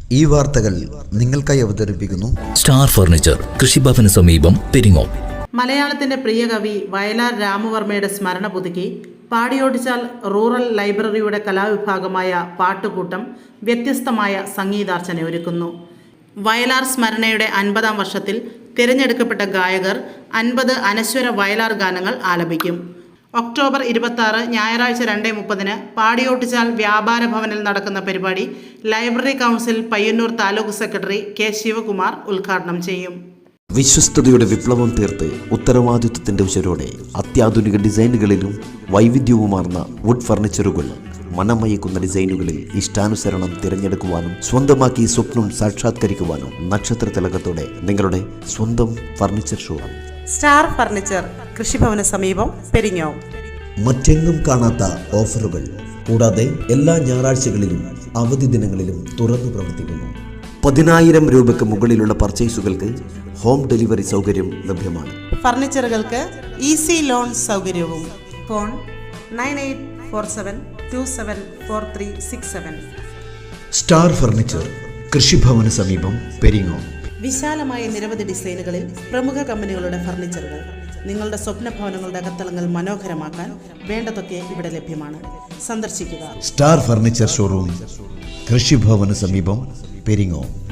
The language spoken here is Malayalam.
ഈ വാർത്തകൾ നിങ്ങൾക്കായി അവതരിപ്പിക്കുന്നു സ്റ്റാർ ഫർണിച്ചർ, കൃഷിഭവന് സമീപം, പെരിങ്ങോം. മലയാളത്തിന്റെ പ്രിയ കവി വയലാർ രാമവർമ്മയുടെ സ്മരണ പുതുക്കി പാടിയോടിച്ചാൽ റൂറൽ ലൈബ്രറിയുടെ കലാവിഭാഗമായ പാട്ടുകൂട്ടം വ്യത്യസ്തമായ സംഗീതാർച്ചന ഒരുക്കുന്നു. വയലാർ സ്മരണയുടെ 50-ാം വർഷത്തിൽ തിരഞ്ഞെടുക്കപ്പെട്ട ഗായകർ 50 അനശ്വര വയലാർ ഗാനങ്ങൾ ആലപിക്കും. ഒക്ടോബർ 26 ഞായറാഴ്ച 2:30 പാടിയോട്ടിച്ചാൽ വ്യാപാര ഭവനിൽ നടക്കുന്ന പരിപാടി library council Payyanur taluk secretary K Sivakumar ഉദ്ഘാടനം ചെയ്യും. വിശ്വസ്തയുടെ വിപ്ലവം തീർത്ത് ഉത്തരവാദിത്വത്തിന്റെ ഉശരോടെ അത്യാധുനിക ഡിസൈനുകളിലും വൈവിധ്യവുമാർന്ന വുഡ് ഫർണിച്ചറുകൾ, മനമയക്കുന്ന ഡിസൈനുകളിൽ ഇഷ്ടാനുസരണം തിരഞ്ഞെടുക്കുവാനും സ്വന്തമാക്കി സ്വപ്നം സാക്ഷാത്കരിക്കുവാനും നക്ഷത്ര തിലകത്തോടെ നിങ്ങളുടെ സ്വന്തം ഫർണിച്ചർ ഷോറൂം സ്റ്റാർ ഫർണിച്ചർ, കൃഷിഭവന് സമീപം, പെരിങ്ങോം. മറ്റെങ്ങും കാണാത്ത ഓഫറുകൾ കൂടാതെ എല്ലാ ഞായറാഴ്ചകളിലും അവധി ദിനങ്ങളിലും തുറന്നു പ്രവർത്തിക്കുന്നു. 10,000 രൂപയ്ക്ക് മുകളിലുള്ള പർച്ചേസുകൾക്ക് ഹോം ഡെലിവറി സൗകര്യം ലഭ്യമാണ്. ഫർണിച്ചറുകൾക്ക് ഈസി ലോൺ സൗകര്യവും. ഫോൺ 9847274367. സ്റ്റാർ ഫർണിച്ചർ, കൃഷിഭവന് സമീപം, പെരിങ്ങോം. വിശാലമായ നിരവധി ഡിസൈനുകളിൽ പ്രമുഖ കമ്പനികളുടെ ഫർണിച്ചറുകൾ. നിങ്ങളുടെ സ്വപ്ന ഭവനങ്ങളുടെ അകത്തളങ്ങൾ മനോഹരമാക്കാൻ വേണ്ടതൊക്കെ ഇവിടെ ലഭ്യമാണ്. സന്ദർശിക്കുക. സ്റ്റാർ ഫർണിച്ചർ ഷോറൂം, കൃഷിഭവന് സമീപം, പെരിങ്ങോം.